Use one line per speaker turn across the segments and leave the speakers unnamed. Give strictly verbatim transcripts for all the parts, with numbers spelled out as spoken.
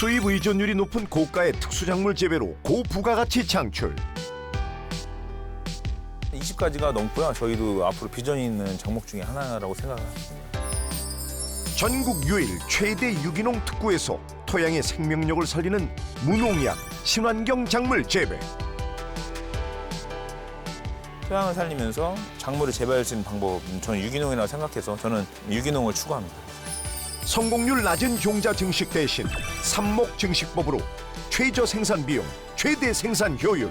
수입 의존율이 높은 고가의 특수작물 재배로 고부가가치 창출.
이십 가지가 넘고요. 저희도 앞으로 비전이 있는 작목 중에 하나라고 생각합니다.
전국 유일 최대 유기농 특구에서 토양의 생명력을 살리는 무농약 친환경 작물 재배.
토양을 살리면서 작물을 재배할 수 있는 방법은 저는 유기농이라고 생각해서 저는 유기농을 추구합니다.
성공률 낮은 종자 증식 대신 삽목 증식법으로 최저 생산 비용, 최대 생산 효율.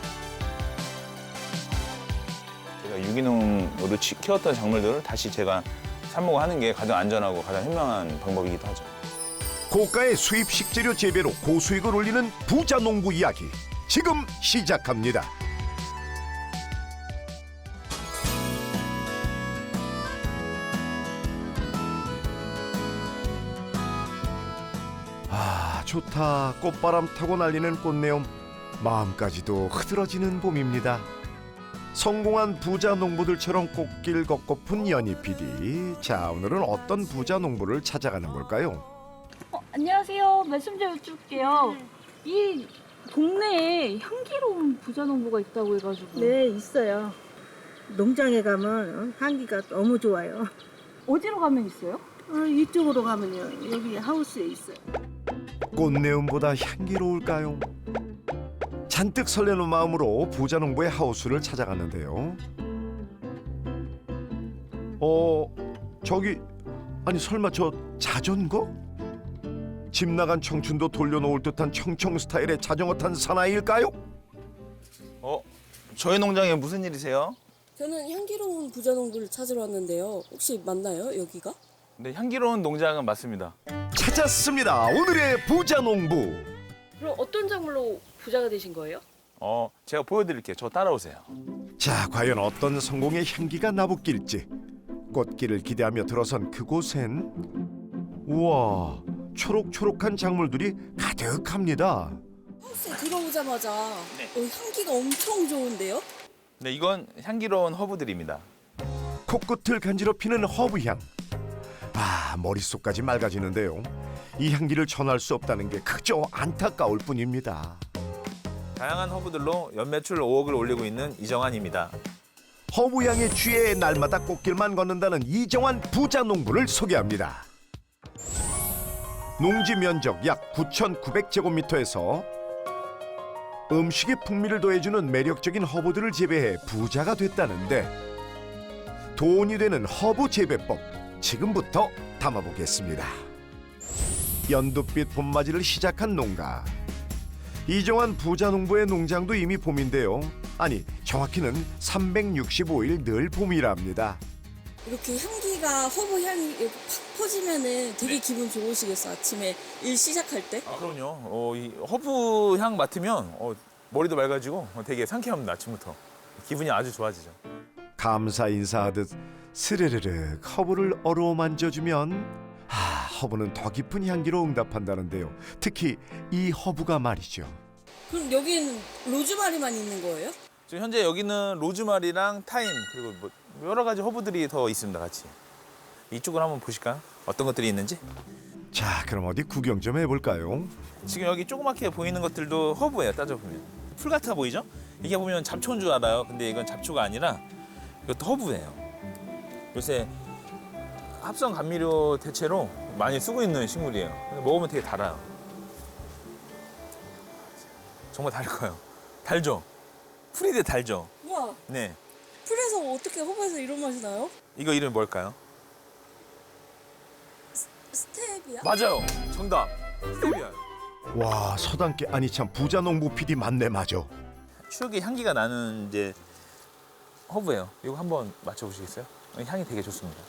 제가 유기농으로 치- 키웠던 작물들을 다시 제가 삽목하는 게 가장 안전하고 가장 현명한 방법이기도 하죠.
고가의 수입 식재료 재배로 고수익을 올리는 부자 농부 이야기 지금 시작합니다. 아, 좋다. 꽃바람 타고 날리는 꽃내음. 마음까지도 흐드러지는 봄입니다. 성공한 부자 농부들처럼 꽃길 걷고픈 연희 피디. 자, 오늘은 어떤 부자 농부를 찾아가는 걸까요?
어, 안녕하세요. 말씀 좀 여쭐게요. 이 동네에 향기로운 부자농부가 있다고 해가지고.
네, 있어요. 농장에 가면 향기가 너무 좋아요.
어디로 가면 있어요?
어, 이쪽으로 가면요. 여기 하우스에 있어요.
꽃내음보다 향기로울까요? 잔뜩 설레는 마음으로 부자 농부의 하우스를 찾아갔는데요. 어, 저기 아니 설마 저 자전거? 집 나간 청춘도 돌려놓을 듯한 청청 스타일의 자전거 탄 사나이일까요?
어? 저희 농장에 무슨 일이세요?
저는 향기로운 부자농부를 찾으러 왔는데요. 혹시 맞나요, 여기가?
네, 향기로운 농장은 맞습니다.
찾았습니다. 오늘의 부자 농부.
그럼 어떤 작물로 부자가 되신 거예요?
어, 제가 보여드릴게요. 저 따라오세요.
자, 과연 어떤 성공의 향기가 나부낄지. 꽃길을 기대하며 들어선 그곳엔 우와, 초록초록한 작물들이 가득합니다.
하우스에 들어오자마자
네.
어, 향기가 엄청 좋은데요?
네, 이건 향기로운 허브들입니다.
코끝을 간지럽히는 허브향. 아, 머릿속까지 맑아지는데요. 이 향기를 전할 수 없다는 게 그저 안타까울 뿐입니다.
다양한 허브들로 연매출 오억을 올리고 있는 이정환입니다.
허브향에 취해 날마다 꽃길만 걷는다는 이정환 부자 농부를 소개합니다. 농지 면적 약 구천구백 제곱미터에서 음식에 풍미를 더해주는 매력적인 허브들을 재배해 부자가 됐다는데 돈이 되는 허브 재배법 지금부터 담아보겠습니다. 연두빛 봄맞이를 시작한 농가. 이정환 부자 농부의 농장도 이미 봄인데요. 아니, 정확히는 삼백육십오 일 늘 봄이랍니다.
이렇게 향기가, 허브 향이 이렇게 팍 퍼지면은 되게 기분 좋으시겠어, 아침에 일 시작할 때?
아, 그럼요. 어, 이 허브 향 맡으면 어, 머리도 맑아지고 어, 되게 상쾌합니다. 아침부터. 기분이 아주 좋아지죠.
감사 인사하듯 스르르르 허브를 어루만져주면 아, 허브는 더 깊은 향기로 응답한다는데요. 특히 이 허브가 말이죠.
그럼 여기는 로즈마리만 있는 거예요?
지금 현재 여기는 로즈마리랑 타임 그리고 뭐 여러 가지 허브들이 더 있습니다. 같이. 이쪽을 한번 보실까요? 어떤 것들이 있는지.
자, 그럼 어디 구경 좀 해볼까요?
지금 여기 조그맣게 보이는 것들도 허브예요. 따져보면. 풀 같아 보이죠? 이게 보면 잡초인 줄 알아요. 근데 이건 잡초가 아니라 이것도 허브예요. 요새 합성 감미료 대체로 많이 쓰고 있는 식물이에요. 근데 먹으면 되게 달아요. 정말 달고요. 달죠? 풀인데 달죠?
우와,
네.
풀에서 어떻게 허브에서 이런 맛이 나요?
이거 이름이 뭘까요?
스테비아?
맞아요. 정답. 스테비아.
와, 서당계 아니 참 부자 농부 피디 맞네 맞아.
추억의 향기가 나는 이제 허브예요. 이거 한번 맞춰보시겠어요? 향이 되게 좋습니다.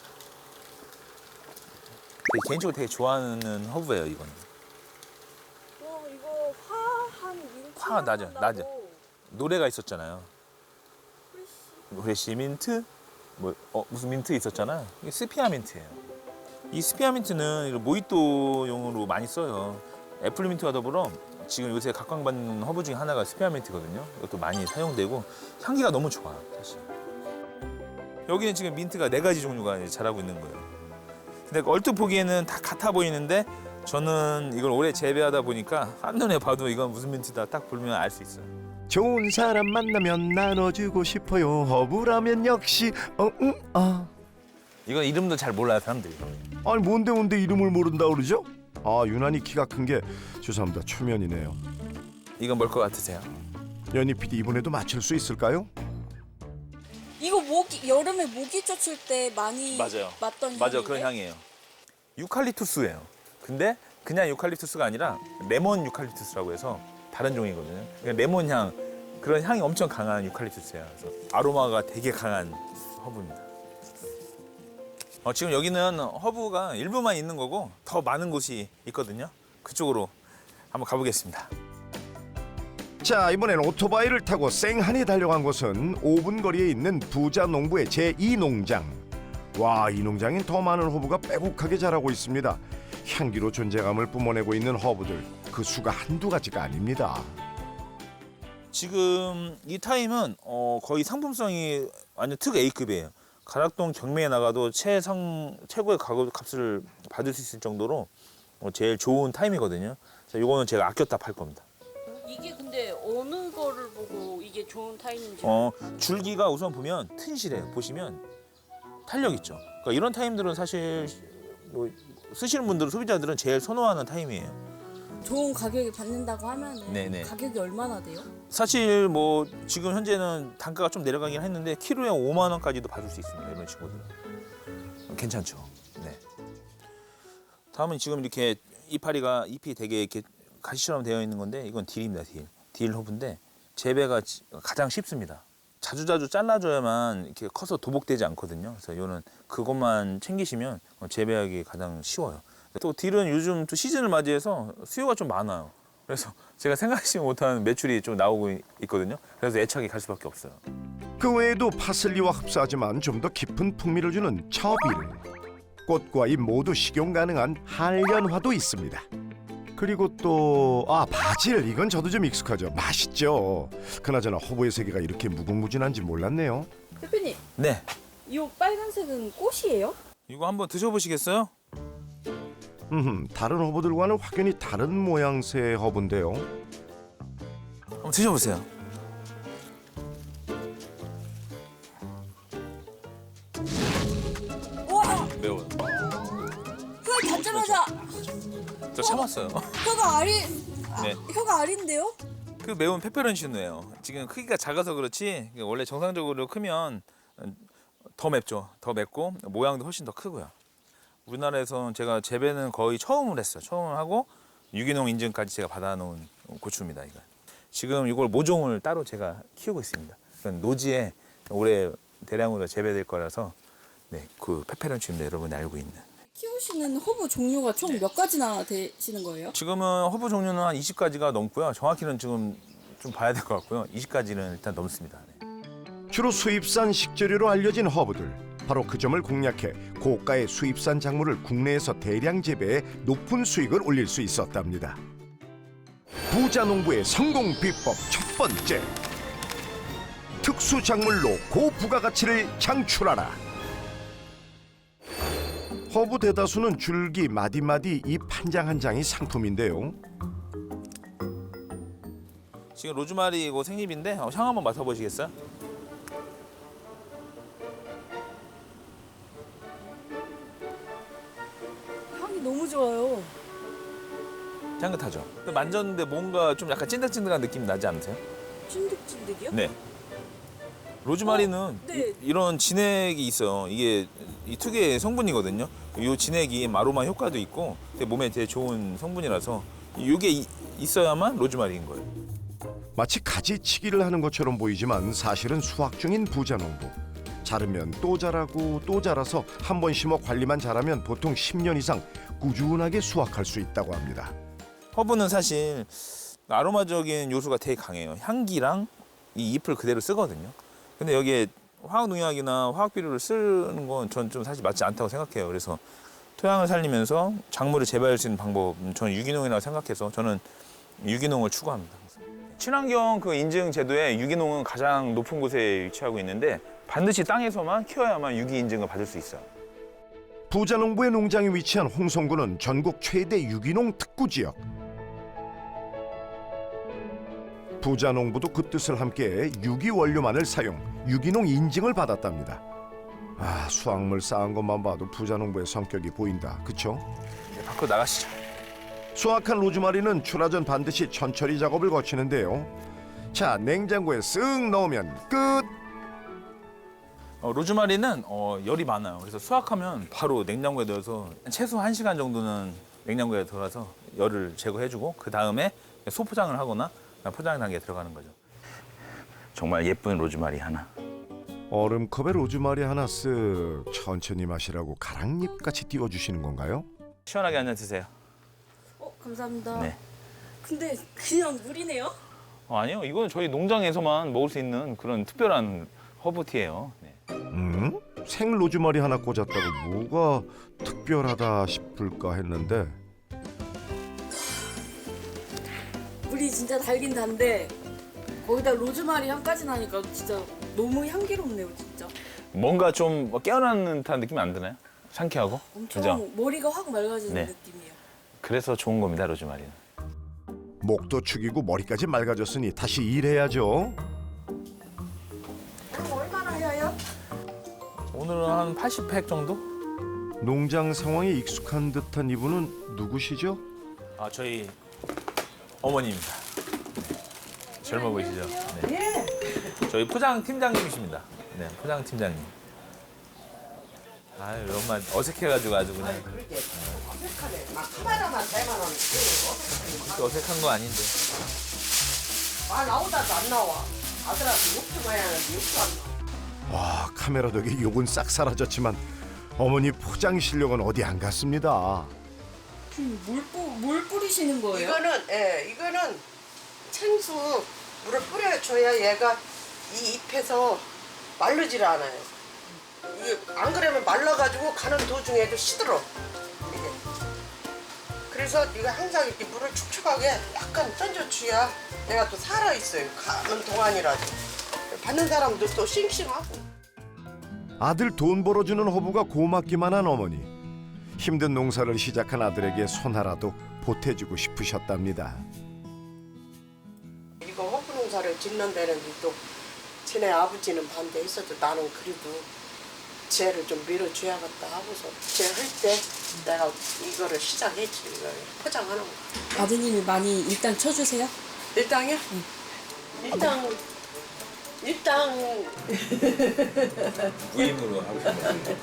되게 개인적으로 되게 좋아하는 허브예요, 이거는.
와, 이거 화한 민트
화 나죠,
나고
나죠. 노래가 있었잖아요.
프레쉬.
프레시 민트? 뭐, 어, 무슨 민트 있었잖아요. 이게 스피아 민트예요. 이 스피아 민트는 이런 모히또용으로 많이 써요. 애플 민트와 더불어 지금 요새 각광받는 허브 중에 하나가 스피아 민트거든요. 이것도 많이 사용되고 향기가 너무 좋아요, 사실. 여기는 지금 민트가 네 가지 종류가 이제 자라고 있는 거예요. 근데 얼핏 보기에는 다 같아 보이는데 저는 이걸 오래 재배하다 보니까 한눈에 봐도 이건 무슨 민트다 딱 보면 알 수 있어요.
좋은 사람 만나면 나눠주고 싶어요. 허브라면 역시 어응 아.
이건 이름도 잘 몰라요 사람들이.
아니 뭔데 뭔데 이름을 모른다 그러죠? 아 유난히 키가 큰 게 죄송합니다 초면이네요.
이건 뭘 것 같으세요?
연희 피디 이번에도 맞출 수 있을까요?
이거 모기 여름에 모기 쫓을 때 많이
맞아요.
맡던
맞아
향인데?
그런 향이에요. 유칼립투스예요. 근데 그냥 유칼립투스가 아니라 레몬 유칼립투스라고 해서 다른 종이거든요. 그러니까 레몬 향 그런 향이 엄청 강한 유칼립투스예요. 그래서 아로마가 되게 강한 허브입니다. 어, 지금 여기는 허브가 일부만 있는 거고 더 많은 곳이 있거든요. 그쪽으로 한번 가보겠습니다.
자 이번엔 오토바이를 타고 쌩하니 달려간 곳은 오 분 거리에 있는 부자 농부의 제이 농장. 와 이 농장엔 더 많은 허브가 빼곡하게 자라고 있습니다. 향기로 존재감을 뿜어내고 있는 허브들 그 수가 한두 가지가 아닙니다.
지금 이 타임은 어, 거의 상품성이 완전 특 A급이에요. 가락동 경매에 나가도 최상 최고의 가격 값을 받을 수 있을 정도로 어, 제일 좋은 타임이거든요. 자, 이거는 제가 아꼈다 팔 겁니다.
이게 근데 어느 거를 보고 이게 좋은 타임인지.
어, 줄기가 우선 보면 튼실해요. 보시면 탄력 있죠. 그러니까 이런 타임들은 사실 뭐 쓰시는 분들은 소비자들은 제일 선호하는 타임이에요.
좋은 가격에 받는다고 하면은
네네.
가격이 얼마나 돼요?
사실 뭐 지금 현재는 단가가 좀 내려가긴 했는데 키로에 오만 원까지도 받을 수 있습니다. 이런 친구들은 괜찮죠. 네. 다음은 지금 이렇게 이파리가 잎이 되게 이렇게 가시처럼 되어 있는 건데 이건 딜입니다. 딜. 딜 허브인데 재배가 지- 가장 쉽습니다. 자주자주 잘라줘야만 이렇게 커서 도복되지 않거든요. 그래서 이거는 그것만 챙기시면 재배하기 가장 쉬워요. 또 딜은 요즘 또 시즌을 맞이해서 수요가 좀 많아요. 그래서 제가 생각하지 못한 매출이 좀 나오고 있거든요. 그래서 애착이 갈 수밖에 없어요.
그 외에도 파슬리와 흡사하지만 좀 더 깊은 풍미를 주는 처빌. 꽃과 잎 모두 식용 가능한 한련화도 있습니다. 그리고 또 아 바질 이건 저도 좀 익숙하죠. 맛있죠. 그나저나 허브의 세계가 이렇게 무궁무진한지 몰랐네요.
대표님,
네.
이 빨간색은 꽃이에요?
이거 한번 드셔보시겠어요?
음, 다른 허브들과는 확연히 다른 모양새의 허브인데요.
한번 드셔보세요.
와!
매워요.
혀 닿자마자
저 참았어요.
혀가 알이
네.
혀가 알인데요?
그 매운 페페론치노예요. 지금 크기가 작아서 그렇지 원래 정상적으로 크면 더 맵죠. 더 맵고 모양도 훨씬 더 크고요. 우리나라에서는 제가 재배는 거의 처음을 했어요. 처음 하고 유기농 인증까지 제가 받아놓은 고추입니다. 이거. 지금 이걸 모종을 따로 제가 키우고 있습니다. 그건 노지에 올해 대량으로 재배될 거라서 네, 그 페페론치입니다. 여러분이 알고 있는.
키우시는 허브 종류가 총 몇 가지나 되시는 거예요?
지금은 허브 종류는 한 이십 가지가 넘고요. 정확히는 지금 좀 봐야 될 것 같고요. 이십 가지는 일단 넘습니다. 네.
주로 수입산 식재료로 알려진 허브들. 바로 그 점을 공략해 고가의 수입산 작물을 국내에서 대량 재배해 높은 수익을 올릴 수 있었답니다. 부자 농부의 성공 비법 첫 번째. 특수 작물로 고부가가치를 창출하라. 허브 대다수는 줄기, 마디마디, 잎 한 장 한 장이 상품인데요.
지금 로즈마리고 생잎인데 어, 향 한번 맡아보시겠어요?
향이 너무 좋아요.
향긋하죠? 근데 만졌는데 뭔가 좀 약간 찐득찐득한 느낌이 나지 않으세요?
찐득찐득이요?
네. 로즈마리는
어, 네.
이, 런 진액이 있어요. 이게 이 특유의 성분이거든요. 이 진액이 아로마 효과도 있고 되게 몸에 되게 좋은 성분이라서 이게 이- 있어야만 로즈마리인 거예요.
마치 가지치기를 하는 것처럼 보이지만 사실은 수확 중인 부자 농부. 자르면 또 자라고 또 자라서 한 번 심어 관리만 잘하면 보통 십 년 이상 꾸준하게 수확할 수 있다고 합니다.
허브는 사실 아로마적인 요소가 되게 강해요. 향기랑 이 잎을 그대로 쓰거든요. 근데 여기에 화학농약이나 화학비료를 쓰는 건 전 좀 사실 맞지 않다고 생각해요. 그래서 토양을 살리면서 작물을 재배할 수 있는 방법, 저는 유기농이라고 생각해서 저는 유기농을 추구합니다. 친환경 그 인증 제도에 유기농은 가장 높은 곳에 위치하고 있는데 반드시 땅에서만 키워야만 유기 인증을 받을 수 있어요.
부자농부의 농장이 위치한 홍성군은 전국 최대 유기농 특구 지역. 부자농부도 그 뜻을 함께 유기원료만을 사용, 유기농 인증을 받았답니다. 아, 수확물 쌓은 것만 봐도 부자농부의 성격이 보인다. 그쵸?
이제 밖으로 나가시죠.
수확한 로즈마리는 출하 전 반드시 천처리 작업을 거치는데요. 자, 냉장고에 쓱 넣으면 끝!
어, 로즈마리는 어, 열이 많아요. 그래서 수확하면 바로 냉장고에 넣어서 최소 한 시간 정도는 냉장고에 들어가서 열을 제거해주고 그 다음에 소포장을 하거나 포장 단계에 들어가는 거죠. 정말 예쁜 로즈마리 하나.
얼음컵에 로즈마리 하나 쓱 천천히 마시라고 가랑잎같이 띄워주시는 건가요?
시원하게 한잔 드세요.
어, 감사합니다.
네.
근데 그냥 물이네요?
어, 아니요, 이건 저희 농장에서만 먹을 수 있는 그런 특별한 허브티예요. 네.
음? 생 로즈마리 하나 꽂았다고 뭐가 특별하다 싶을까 했는데
물이 진짜 달긴 단데 거기다 로즈마리 향까지 나니까 진짜 너무 향기롭네요, 진짜.
뭔가 좀 깨어나는 듯한 느낌이 안 드나요? 상쾌하고?
엄청
그죠?
머리가 확 맑아지는
네.
느낌이에요.
그래서 좋은 겁니다, 로즈마리는.
목도 축이고 머리까지 맑아졌으니 다시 일해야죠.
얼마나 해요?
오늘은 한 팔십 팩 정도?
농장 상황에 익숙한 듯한 이분은 누구시죠?
아, 저희 어머니입니다. 네. 젊어 보이시죠? 네. 저희 포장 팀장님이십니다. 네, 포장 팀장님. 아유, 엄마 어색해가지고 아주 그냥.
어색하네. 막 카메라만 대만 하면
그렇게 어색한 거 아닌데.
아 나오다도 안 나와. 아들한테 욕좀 해야 하는데 욕도 안 나와.
와, 카메라 덕에 욕은 싹 사라졌지만 어머니 포장 실력은 어디 안 갔습니다.
음, 물, 뿌, 물 뿌리시는 거예요?
이거는 예, 이거는 생수 물을 뿌려줘야 얘가 이 잎에서 마르질 않아요. 이게 안 그러면 말라가지고 가는 도중에도 시들어. 이게. 그래서 네가 항상 이렇게 물을 축축하게 약간 던져줘야 얘가 또 살아 있어요. 가는 동안이라도. 받는 사람도 또 싱싱하고.
아들 돈 벌어주는 허브가 고맙기만 한 어머니. 힘든 농사를 시작한 아들에게 손 하나도 보태주고 싶으셨답니다.
이거 허브 농사를 짓는 데는 또 쟤네 아버지는 반대했어도 나는 그래도 쟤를 좀 밀어줘야겠다 하고서 쟤 할 때 내가 이거를 시작했지. 이걸 포장하는 거.
아드님이 많이 일단 쳐주세요?
일당이요? 일당 일당
부임으로 하고 싶어요.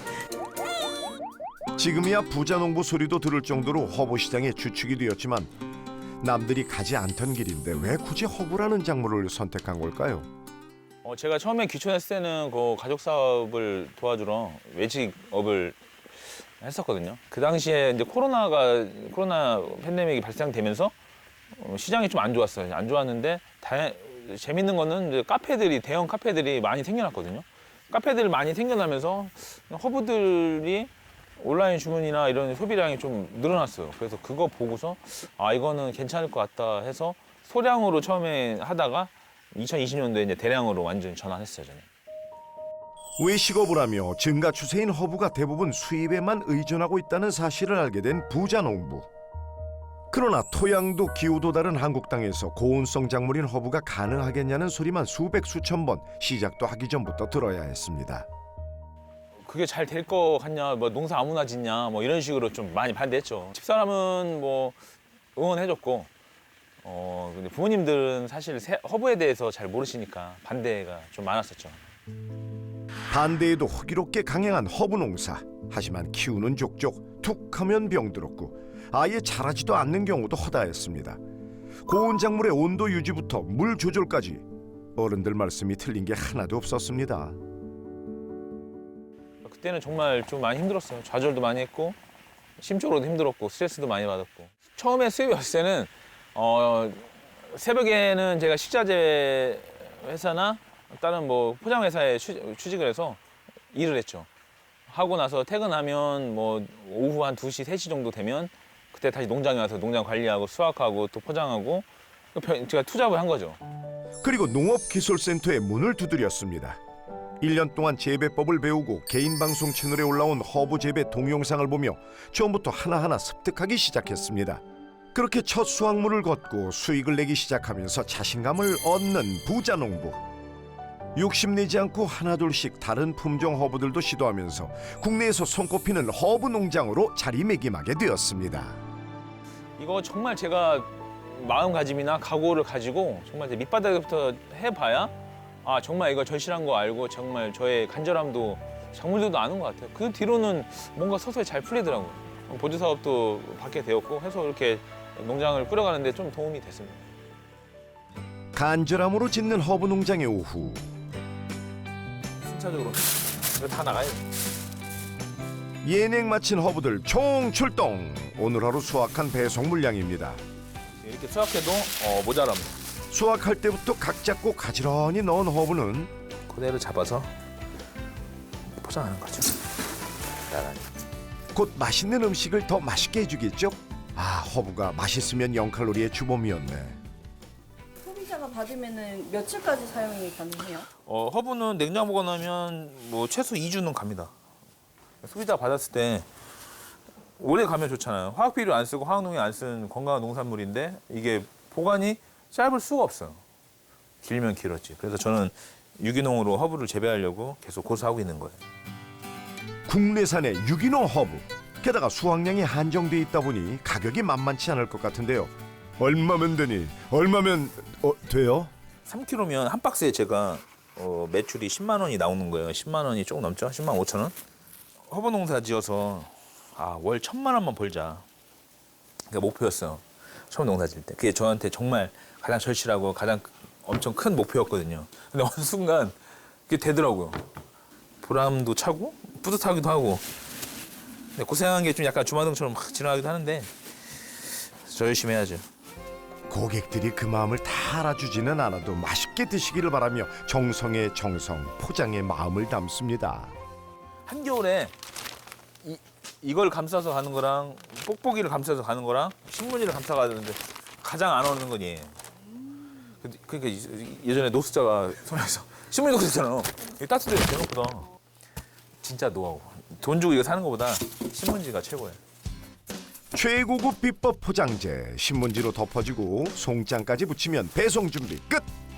지금이야 부자농부 소리도 들을 정도로 허브 시장의 주축이 되었지만 남들이 가지 않던 길인데 왜 굳이 허브라는 작물을 선택한 걸까요?
어, 제가 처음에 귀촌했을 때는 그 가족 사업을 도와주러 외직업을 했었거든요. 그 당시에 이제 코로나가 코로나 팬데믹이 발생되면서 어, 시장이 좀 안 좋았어요. 안 좋았는데 다, 재밌는 거는 이제 카페들이 대형 카페들이 많이 생겨났거든요. 카페들 많이 생겨나면서 허브들이 온라인 주문이나 이런 소비량이 좀 늘어났어요. 그래서 그거 보고서 아 이거는 괜찮을 것 같다 해서 소량으로 처음에 하다가 이천이십 년도에 이제 대량으로 완전히 전환했어요, 저는.
외식업을 하며 증가 추세인 허브가 대부분 수입에만 의존하고 있다는 사실을 알게 된 부자농부. 그러나 토양도 기후도 다른 한국 땅에서 고온성 작물인 허브가 가능하겠냐는 소리만 수백 수천 번 시작도 하기 전부터 들어야 했습니다.
그게 잘 될 거 같냐, 뭐 농사 아무나 짓냐, 뭐 이런 식으로 좀 많이 반대했죠. 집사람은 뭐 응원해줬고, 어 근데 부모님들은 사실 새- 허브에 대해서 잘 모르시니까 반대가 좀 많았었죠.
반대에도 호기롭게 강행한 허브 농사. 하지만 키우는 족족 툭하면 병들었고 아예 자라지도 않는 경우도 허다했습니다. 고온 작물의 온도 유지부터 물 조절까지 어른들 말씀이 틀린 게 하나도 없었습니다.
그때는 정말 좀 많이 힘들었어요. 좌절도 많이 했고 심적으로도 힘들었고 스트레스도 많이 받았고. 처음에 수입이 왔을 때는 어, 새벽에는 제가 식자재 회사나 다른 뭐 포장 회사에 취직을 해서 일을 했죠. 하고 나서 퇴근하면 뭐 오후 한 두 시, 세 시 정도 되면 그때 다시 농장에 와서 농장 관리하고 수확하고 또 포장하고 제가 투잡을 한 거죠.
그리고 농업기술센터의 문을 두드렸습니다. 일 년 동안 재배법을 배우고 개인 방송 채널에 올라온 허브 재배 동영상을 보며 처음부터 하나하나 습득하기 시작했습니다. 그렇게 첫 수확물을 걷고 수익을 내기 시작하면서 자신감을 얻는 부자 농부. 욕심내지 않고 하나둘씩 다른 품종 허브들도 시도하면서 국내에서 손꼽히는 허브 농장으로 자리매김하게 되었습니다.
이거 정말 제가 마음가짐이나 각오를 가지고 정말 제 밑바닥부터 해봐야 아 정말 이거 절실한 거 알고 정말 저의 간절함도 작물들도 아는 것 같아요. 그 뒤로는 뭔가 서서히 잘 풀리더라고요. 보조 사업도 받게 되었고 해서 이렇게 농장을 꾸려가는데 좀 도움이 됐습니다.
간절함으로 짓는 허브 농장의 오후.
순차적으로 이거 다 나가요.
예냉 마친 허브들 총 출동. 오늘 하루 수확한 배송 물량입니다.
이렇게 수확해도 어, 모자랍니다.
수확할 때부터 각 잡고 가지런히 넣은 허브는
그대로 잡아서 포장하는 거죠. 나란히.
곧 맛있는 음식을 더 맛있게 해주겠죠? 아, 허브가 맛있으면 영 칼로리의 주범이었네.
소비자가 받으면은 며칠까지 사용이 가능해요?
어, 허브는 냉장 보관하면 뭐 최소 이 주는 갑니다. 소비자 받았을 때 오래 가면 좋잖아요. 화학 비료 안 쓰고 화학 농약 안 쓴 건강한 농산물인데 이게 보관이 짧을 수가 없어요. 길면 길었지. 그래서 저는 유기농으로 허브를 재배하려고 계속 고수하고 있는 거예요.
국내산의 유기농 허브. 게다가 수확량이 한정돼 있다 보니 가격이 만만치 않을 것 같은데요. 얼마면 되니? 얼마면 어, 돼요?
삼 킬로그램면 한 박스에 제가 어, 매출이 십만 원이 나오는 거예요. 십만 원이 조금 넘죠? 십만 오천 원? 허브 농사 지어서 아, 월 천만 원만 벌자. 그게 목표였어요. 처음 농사 지을 때. 그게 저한테 정말 가장 절실하고 가장 엄청 큰 목표였거든요. 근데 어느 순간 그게 되더라고요. 보람도 차고 뿌듯하기도 하고. 근데 고생한 게 좀 약간 주마등처럼 막 지나가기도 하는데 저 열심히 해야죠.
고객들이 그 마음을 다 알아주지는 않아도 맛있게 드시기를 바라며 정성에 정성, 포장에 마음을 담습니다.
한겨울에 이, 이걸 감싸서 가는 거랑 뽁뽁이를 감싸서 가는 거랑 신문지를 감싸 가는데 가장 안 어울리는 건 얘예요. 근데 그러니까 예전에 노숙자가 손에서 신문지 놓고 있잖아요. 이게 따뜻해 생각보다 진짜 노하우. 돈 주고 이거 사는 것보다 신문지가 최고예요.
최고급 비법 포장재, 신문지로 덮어주고 송장까지 붙이면 배송 준비 끝!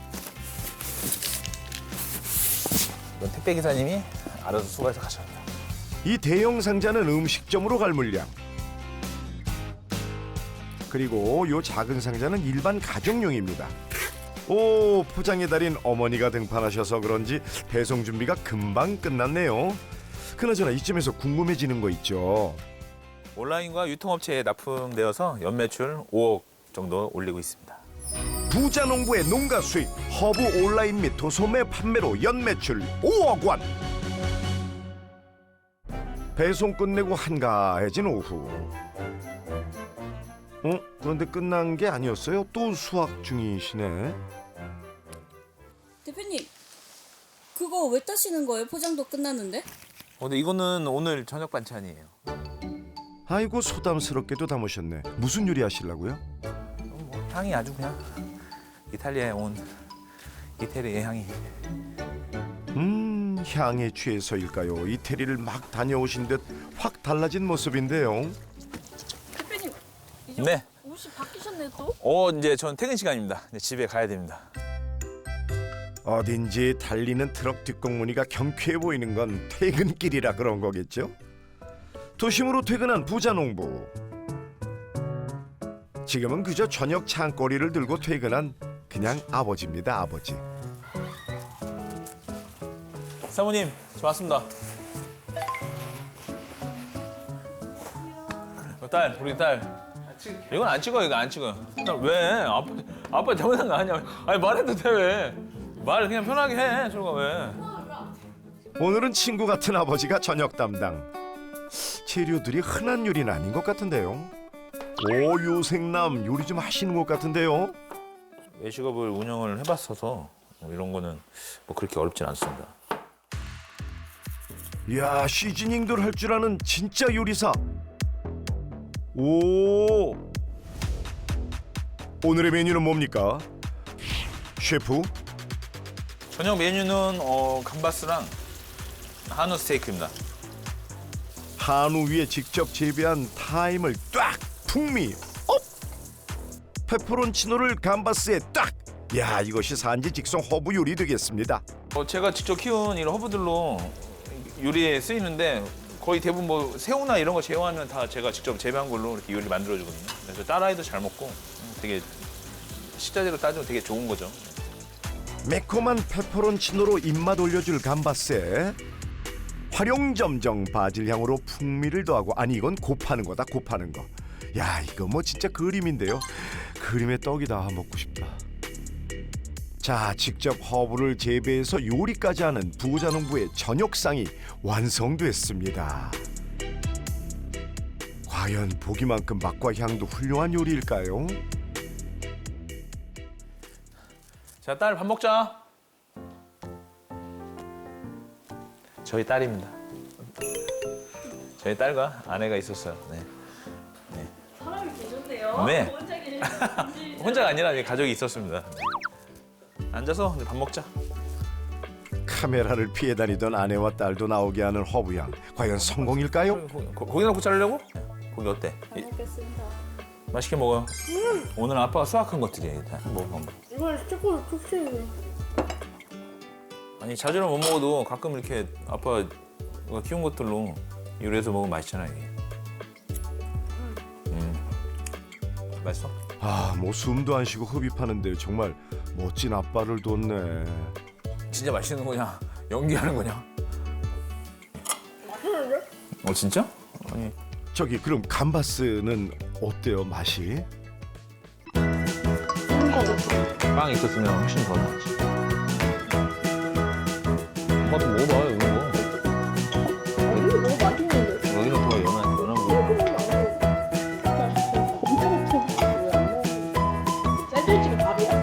이건 택배 기사님이 알아서 수거해서 가셔야 돼요.
이 대형 상자는 음식점으로 갈 물량. 그리고 요 작은 상자는 일반 가정용입니다. 오, 포장의 달인 어머니가 등판하셔서 그런지 배송 준비가 금방 끝났네요. 그나저나 이쯤에서 궁금해지는 거 있죠.
온라인과 유통업체에 납품되어서 연매출 오억 정도 올리고 있습니다.
부자 농부의 농가 수입, 허브 온라인 및 도소매 판매로 연매출 오억 원. 배송 끝내고 한가해진 오후. 어? 그런데 끝난 게 아니었어요? 또 수확 중이시네.
대표님, 그거 왜 따시는 거예요? 포장도 끝났는데?
어, 근데 이거는 오늘 저녁 반찬이에요.
아이고 소담스럽게도 담으셨네. 무슨 요리 하시려고요?
뭐, 향이 아주 그냥 이탈리아에 온 이태리의 향이.
음, 향에 취해서일까요? 이태리를 막 다녀오신 듯 확 달라진 모습인데요.
대표님 이제
네.
옷이 바뀌셨네 또?
어, 이제 전 퇴근 시간입니다. 이제 집에 가야 됩니다.
어딘지 달리는 트럭 뒷공무니가 경쾌해 보이는 건 퇴근길이라 그런 거겠죠? 도심으로 퇴근한 부자 농부. 지금은 그저 저녁 창거리를 들고 퇴근한 그냥 아버지입니다, 아버지.
사모님, 저 왔습니다. 어, 딸, 우리 딸. 이건 안 찍어, 이거 안 찍어. 딸, 왜? 아빠, 아빠 잘못한 거 아니야. 아니 말해도 돼 왜? 말 그냥 편하게 해. 저거 왜?
오늘은 친구 같은 아버지가 저녁 담당. 재료들이 흔한 요리는 아닌 것 같은데요. 오, 요생남 요리 좀 하시는 것 같은데요.
외식업을 운영을 해봤어서 뭐 이런 거는 뭐 그렇게 어렵진 않습니다.
이야, 시즈닝들 할 줄 아는 진짜 요리사. 오, 오늘의 메뉴는 뭡니까? 셰프?
저녁 메뉴는 어, 감바스랑 한우 스테이크입니다.
한우 위에 직접 재배한 타임을 딱 풍미 업! 페퍼론치노를 감바스에 딱! 야, 이것이 산지 직송 허브 요리 되겠습니다.
어, 제가 직접 키운 이런 허브들로 요리에 쓰이는데 거의 대부분 뭐 새우나 이런 거 제외하면 다 제가 직접 재배한 걸로 이렇게 요리 만들어 주거든요. 그래서 딸아이도 잘 먹고 되게 식자재로 따지면 되게 좋은 거죠.
매콤한 페퍼론치노로 입맛 올려줄 감바스에 활용점정 바질 향으로 풍미를 더하고, 아니 이건 곱하는 거다, 곱하는 거. 야, 이거 뭐 진짜 그림인데요. 그림의 떡이다. 먹고 싶다. 자, 직접 허브를 재배해서 요리까지 하는 부자농부의 저녁상이 완성됐습니다. 과연 보기만큼 맛과 향도 훌륭한 요리일까요?
자, 딸 밥 먹자. 저희 딸입니다. 저희 딸과 아내가 있었어요. 네.
사람이 계셨네요.
네.
혼자 계셨는지.
혼자가 아니라 이제 가족이 있었습니다. 앉아서 이제 밥 먹자.
카메라를 피해 다니던 아내와 딸도 나오게 하는 허브향. 과연 성공일까요?
고기, 고- 고기 넣고 자르려고? 고기 어때?
잘 먹겠습니다.
맛있게 먹어요. 오늘 아빠가 수확한 것들이에요. 다 먹어.
이걸 조금 푹신해.
아니 자주는 못 먹어도 가끔 이렇게 아빠가 키운 것들로 요리해서 먹으면 맛있잖아요. 이게. 음. 맛있어?
아, 뭐 숨도 안 쉬고 흡입하는데 정말 멋진 아빠를 뒀네.
진짜 맛있는 거냐? 연기하는 거냐?
맛있는데?
어 진짜? 아니
저기 그럼 감바스는 어때요, 맛이?
빵 있었으면 훨씬 더 나았지. 엄마도 먹어봐 이런 거.
이거 너무 맛있는데?
여기는 더 연한 연한 거.
샌드위치가 밥이야?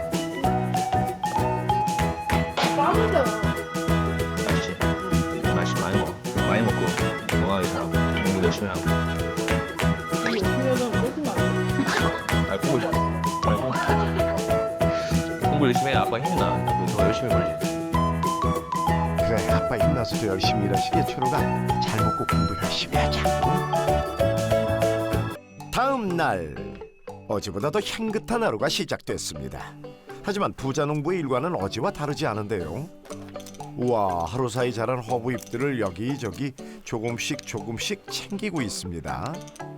빵이잖아.
맛있지. 맛있 많이 먹어. 많이 먹고 건강하게 살고 공부 열심히 하고. 아 공부 잘. 아니, 공부. 공부 열심히 해. 아빠 힘나. 더 열심히 벌지.
그래, 아빠 힘나서도 열심히 일하시게 초로가. 잘 먹고 공부 열심히 하자. 다음 날, 어제보다 더 향긋한 하루가 시작됐습니다. 하지만 부자농부의 일과는 어제와 다르지 않은데요. 우와, 하루 사이 자란 허브 잎들을 여기저기 조금씩 조금씩 챙기고 있습니다.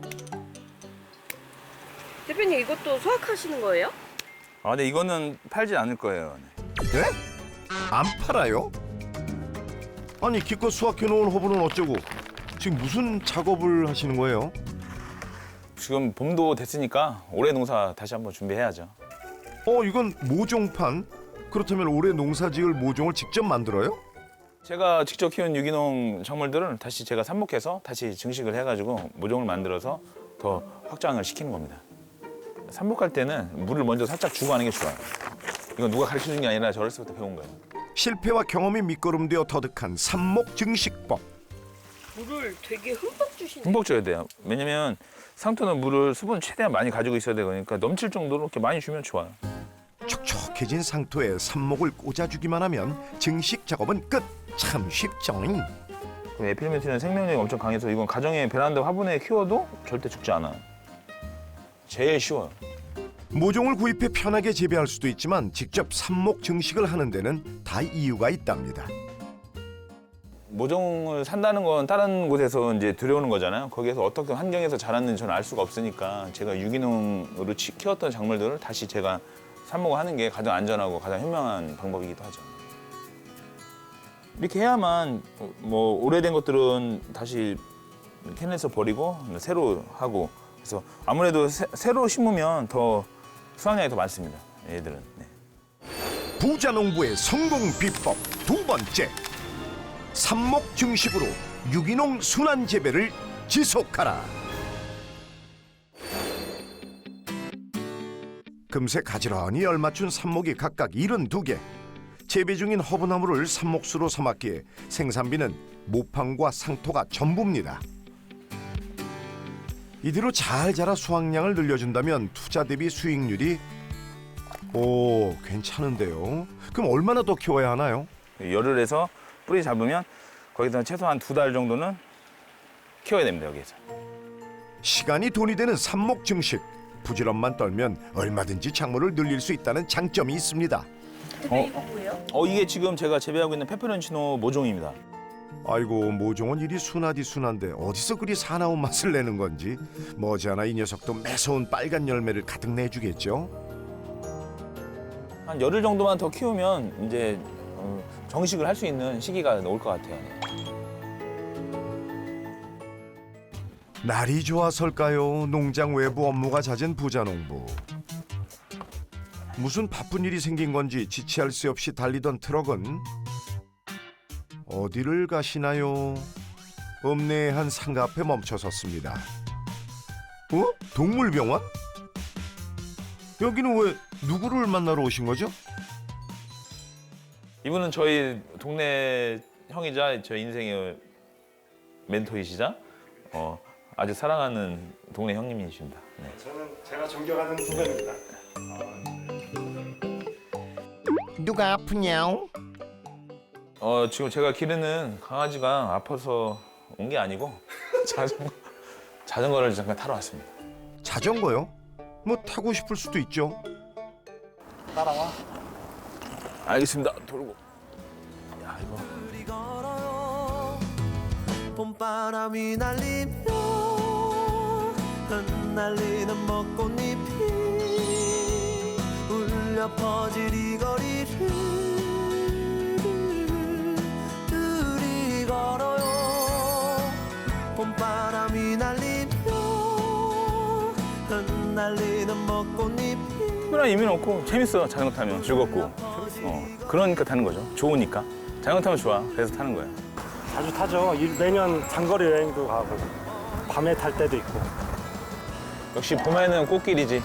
대표님 이것도 수확하시는 거예요?
아 근데 이거는 팔지 않을 거예요.
네? 안 팔아요? 아니, 기껏 수확해놓은 허브는 어쩌고 지금 무슨 작업을 하시는 거예요?
지금 봄도 됐으니까 올해 농사 다시 한번 준비해야죠.
어, 이건 모종판? 그렇다면 올해 농사지을 모종을 직접 만들어요?
제가 직접 키운 유기농 작물들을 다시 제가 삽목해서 다시 증식을 해가지고 모종을 만들어서 더 확장을 시키는 겁니다. 삽목할 때는 물을 먼저 살짝 주고 하는 게 좋아요. 이건 누가 가르쳐준 게 아니라 저 어렸을 때부터 배운 거예요.
실패와 경험이 밑거름되어 터득한 삽목 증식법.
물을 되게 흠뻑 주시네요.
흠뻑 줘야 돼요. 왜냐면 상토는 물을 수분 최대한 많이 가지고 있어야 되고 그러니까 넘칠 정도로 이렇게 많이 주면 좋아요.
촉촉해진 상토에 삽목을 꽂아주기만 하면 증식 작업은 끝. 참 쉽죠.
에필멘트는 생명력이 엄청 강해서 이건 가정의 베란다 화분에 키워도 절대 죽지 않아요. 제일 쉬워요.
모종을 구입해 편하게 재배할 수도 있지만 직접 삽목 증식을 하는 데는 다 이유가 있답니다.
모종을 산다는 건 다른 곳에서 이제 들여오는 거잖아요. 거기에서 어떻게 환경에서 자랐는지 저는 알 수가 없으니까 제가 유기농으로 치- 키웠던 작물들을 다시 제가 삽목을 하는 게 가장 안전하고 가장 현명한 방법이기도 하죠. 이렇게 해야만 뭐 오래된 것들은 다시 캔에서 버리고 새로 하고 그래서 아무래도 새, 새로 심으면 더 수확량이 더 많습니다. 얘들은. 네.
부자농부의 성공 비법 두 번째. 삽목 증식으로 유기농 순환 재배를 지속하라. 금세 가지런히 열맞춘 삽목이 각각 칠십이 개. 재배 중인 허브나무를 삽목수로 삼았기에 생산비는 모판과 상토가 전부입니다. 이대로 잘 자라 수확량을 늘려준다면 투자 대비 수익률이 오, 괜찮은데요. 그럼 얼마나 더 키워야 하나요?
열을 해서 뿌리 잡으면 거기서 최소한 두 달 정도는 키워야 됩니다, 여기에서.
시간이 돈이 되는 삽목 증식. 부지런만 떨면 얼마든지 작물을 늘릴 수 있다는 장점이 있습니다.
근데 이거 뭐예요?
어, 이게 지금 제가 재배하고 있는 페페론치노 모종입니다.
아이고, 모종은 이리 순하디 순한데 어디서 그리 사나운 맛을 내는 건지. 머지않아 이 녀석도 매서운 빨간 열매를 가득 내주겠죠.
한 열흘 정도만 더 키우면 이제 어, 정식을 할 수 있는 시기가 올 것 같아요.
날이 좋아설까요? 농장 외부 업무가 잦은 부자농부. 무슨 바쁜 일이 생긴 건지 지체할 새 없이 달리던 트럭은 어디를 가시나요? 읍내의 상가 앞에 멈춰섰습니다. 어? 동물병원? 여기는 왜 누구를 만나러 오신 거죠?
이분은 저희 동네 형이자 저희 인생의 멘토이시자 어, 아주 사랑하는 동네 형님이십니다. 네.
저는 제가 존경하는 후배입니다.
누가 아프냐우?
어, 지금 제가 기르는 강아지가 아파서 온 게 아니고 자전거, 자전거를 잠깐 타러 왔습니다.
자전거요? 뭐 타고 싶을 수도 있죠.
따라와. 알겠습니다. 돌고. 야, 이거.
우리 걸어요 봄바람이 날리며 흩날리는 벚꽃잎이 울려 퍼질 이 거리를 우리 걸어요 봄바람이 날리며 흩날리는 벚꽃잎이
특별한 의미는 없고 재밌어. 자전거 타면 즐겁고. 어, 그러니까 타는 거죠. 좋으니까. 자전거 타면 좋아. 그래서 타는 거예요.
자주 타죠. 이- 매년 장거리 여행도 가고 밤에 탈 때도 있고.
역시 봄에는 꽃길이지.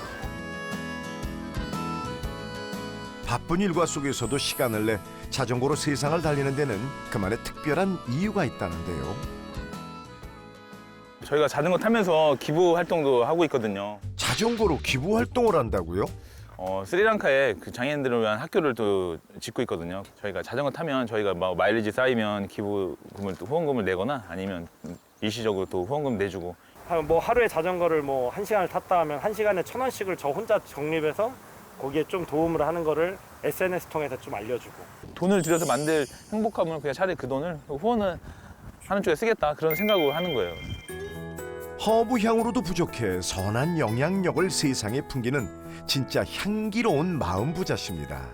바쁜 일과 속에서도 시간을 내 자전거로 세상을 달리는 데는 그만의 특별한 이유가 있다는데요.
저희가 자전거 타면서 기부 활동도 하고 있거든요.
자전거로 기부 활동을 한다고요?
어, 스리랑카에 그 장애인들을 위한 학교를 또 짓고 있거든요. 저희가 자전거 타면 저희가 뭐 마일리지 쌓이면 기부금을 또 후원금을 내거나 아니면 일시적으로 또 후원금 내주고.
한- 뭐 하루에 자전거를 뭐 한 시간을 탔다 하면 한 시간에 천 원씩을 저 혼자 적립해서 거기에 좀 도움을 하는 거를 에스엔에스 통해서 좀 알려주고.
돈을 들여서 만들 행복감을 그냥 차라리 그 돈을 후원을 하는 쪽에 쓰겠다 그런 생각을 하는 거예요.
허브 향으로도 부족해 선한 영향력을 세상에 풍기는 진짜 향기로운 마음 부자십니다.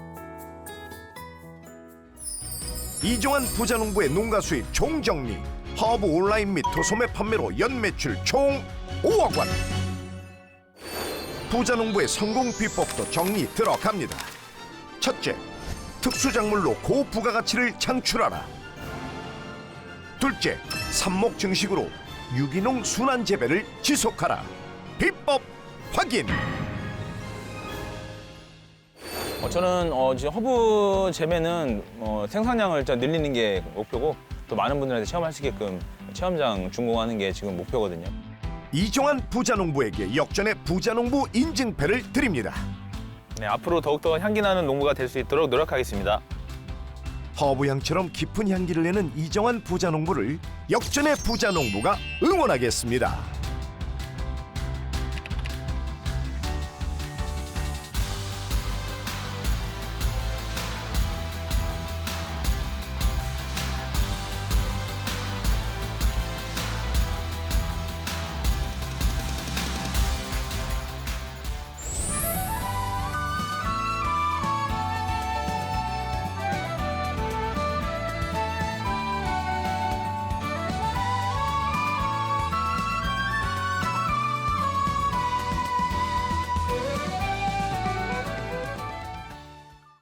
이종환 부자농부의 농가 수입 총정리. 허브 온라인 및 도소매 판매로 연 매출 총 오억 원. 부자농부의 성공 비법도 정리 들어갑니다. 첫째, 특수작물로 고부가가치를 창출하라. 둘째, 삽목 증식으로 유기농 순환 재배를 지속하라. 비법 확인.
어, 저는 어, 지금 허브 재배는 어, 생산량을 일단 늘리는 게 목표고 또 많은 분들한테 체험할 수 있게끔 체험장 준공하는 게 지금 목표거든요.
이종환 부자농부에게 역전의 부자농부 인증패를 드립니다.
네, 앞으로 더욱더 향기 나는 농부가 될 수 있도록 노력하겠습니다.
허브향처럼 깊은 향기를 내는 이종환 부자농부를 역전의 부자농부가 응원하겠습니다.